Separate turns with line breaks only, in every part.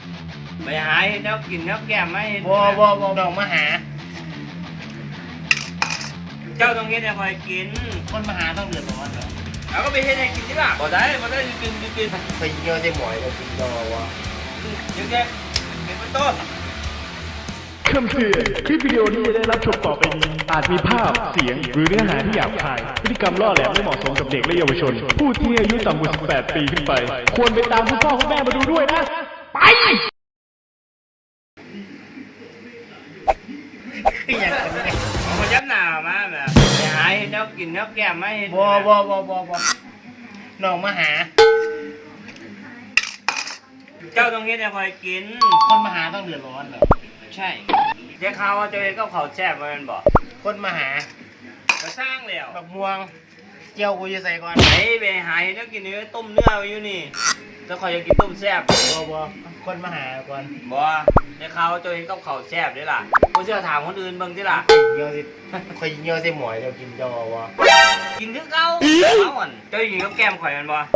ไปหาแล้วกินแล้วแก้มไม่
บ่น้องมาหา
เจ้าต้องเฮ็ดให้คอยกิน
คนมาหาต้องเดือดร้อนเหรอ
แล้วก็ไปเฮ็ดให้กินที่ล่ะบ่ได้กิน
ไปเยี่ยวได้หมอยเรากินดอวะ
เดี๋ยวแกเป็นต้น
คำเตือนคลิปวิดีโอนี้ได้รับชมต่อไปนี้อาจมีภาพเสียงหรือเนื้อหาที่หยาบคายพฤติกรรมล่อแหลมไม่เหมาะสมกับเด็กและเยาวชนผู้ที่อายุต่ำกว่า18 ปีขึ้นไปควรไปตามคุณพ่อคุณแม่มาดูด้วยนะไป
คืออย่างนี้ไง
มายับหน้ามาแบบไปหาแล้วกินแล้วแก้มไม่
บ่น้องมาหา
เจ้าต้องเฮ็ดให้คอยกิน
คนมาหาต้องเดือดร้อนเหรอ
ใช่เจ๊ข่าวว่าเจ้าเฮ็ดกับข้าวแซ่บมันบอก
คนมาหา
ก็สร้างแล้ว
บักม่วงเจียวกูจะใส่ก่อน
ไปหาแล้วกินเนื้อต้มเนื้อไว้อยู่นี่แล้วคอยจะกินต้มแซ่บ
บ่คนมาหาก่อน
บ่เจ๊ข่าวว่าเจ้าเฮ็ดกับข้าวแซ่บด้วยล่ะกูเชื่อถามคนอื่นเบิ่งสิล่ะ
เยี่ยวสิคอยเยี่ยวใส่หมอยเรากินดอวะ
กินคือเก่าเอาอ่ะเจ้ากินกับแก้มข่อยมันบ่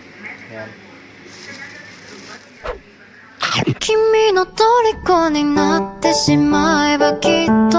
君の虜になってしまえばきっと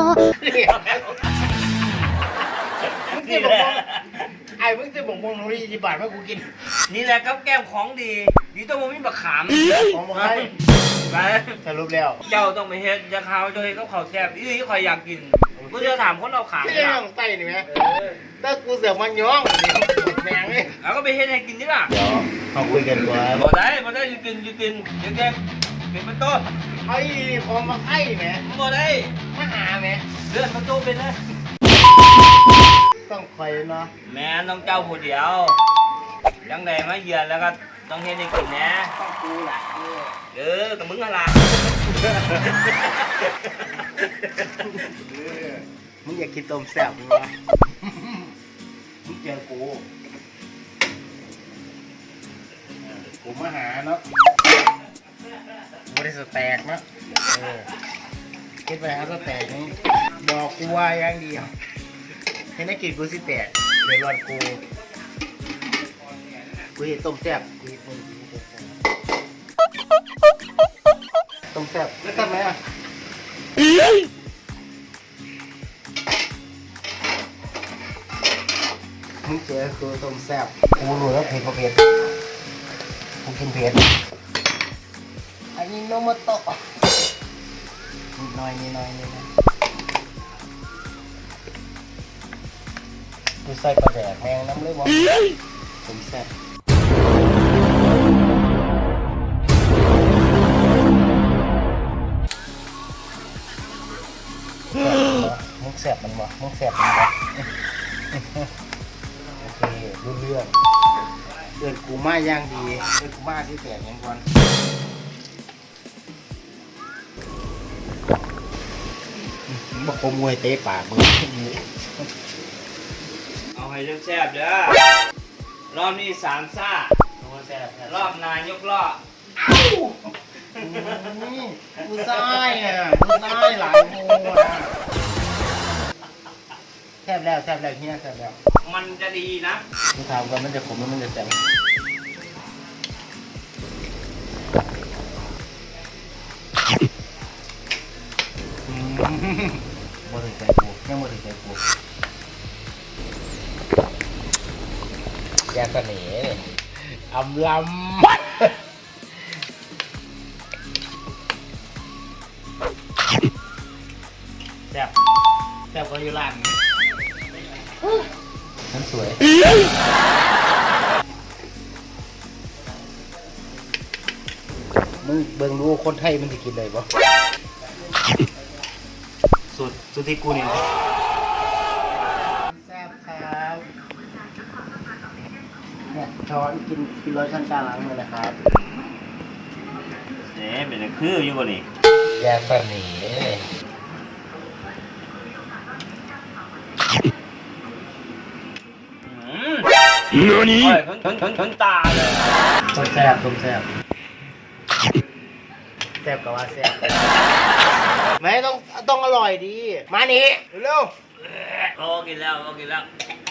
ไอ้มึงจะบอกมึงรู้20 บาทว่ากูกิน
นี่แหละกับแก้มของดีดีต้องมีบักขาม
ของมึงให้
ไป
สรุปแล้ว
เจ้าต้องไปเฮ็ดจะข่าวเจ้าเฮ็ดกับข้าวแซ่บอีนี่ข่อยอยากกินกูจะถามคนเอาขาม
เนี่ยของไต้นี่ไหมถ้ากูเสือกมันย้องแมงเลย
แล้วก็ไปเฮ็ดให้กินดิล่ะ
เดี๋ยวเขาคุยกันก่อน
บ่ได้กินเดี๋ยวแกเป็นประตู
ไอ้พอมาไอ้แหม
บ่ได้
มาหาแหม
เลื่อนประตูเป็นเลย
ต้องคอยเนาะ
แม่ต้องเจ้าผู้เดียวยังไงมาเยือนแล้วก็ต้องเฮ็ดให้กินนะ
ต้องกูล่ะ
กับมึงอะไร
มึงอยากกินต้มแซ่บมึงวะมึงเจอกูมาหาเนาะบริสุทธิ์แตกเนาะคิดไปหาสแตกนี่บอกกูว่าอย่างเดียวเห็นนักกินกูสิแตกเดี๋ยวรอนกูเห็นต้มแซ่บต้มแซ่บแล้วทำไมอ่ะมึงเจอคือต้มแซ่บกูรู้แล้วเผ็ดกูกินเผ็ดอันนี้โนโมโตะนิดหน่อยนะกูใส่ปลาแดกแมงน้ำเลยวะต้มแซ่บมุกแสบมันวะโอเครู้เรื่องเดินกูมาย่างดีเดินกูมาที่แตกยังก่อนบอกขโมยเตะปากมึง
เอาให้แซ่บเด้อรอบนี้3ซ่ารอบนายกล้อ
กูซ้ายกูซ้ายหลายโมนะแซ่บแล้วเฮียแซ่บแล้ว
มันจะดีนะ
กูถามกันมันจะขมแล้วมันจะแซ่บบ่ถึงใจกูยังบ่ถึงใจกูแกเสน่ห์อำลำแซ่บก็อยู่ร้านนั่นสวยมึงเบิ่งดูคนไทยมันจะกินอะไรบ่สุดที่กูนี่แซ่บครับเนี่ยช้อนกินร้อยชั้นกลางล้างมือนะครับ
เป็นคืออยู่บ่นี่
แยกแบบนี้
นี่ถึงตาเลย
ต้มแซ่บแซ่บกับว่าแซ่บไม่ต้องอร่อยดีมานี่เร็ว
กินแล้ว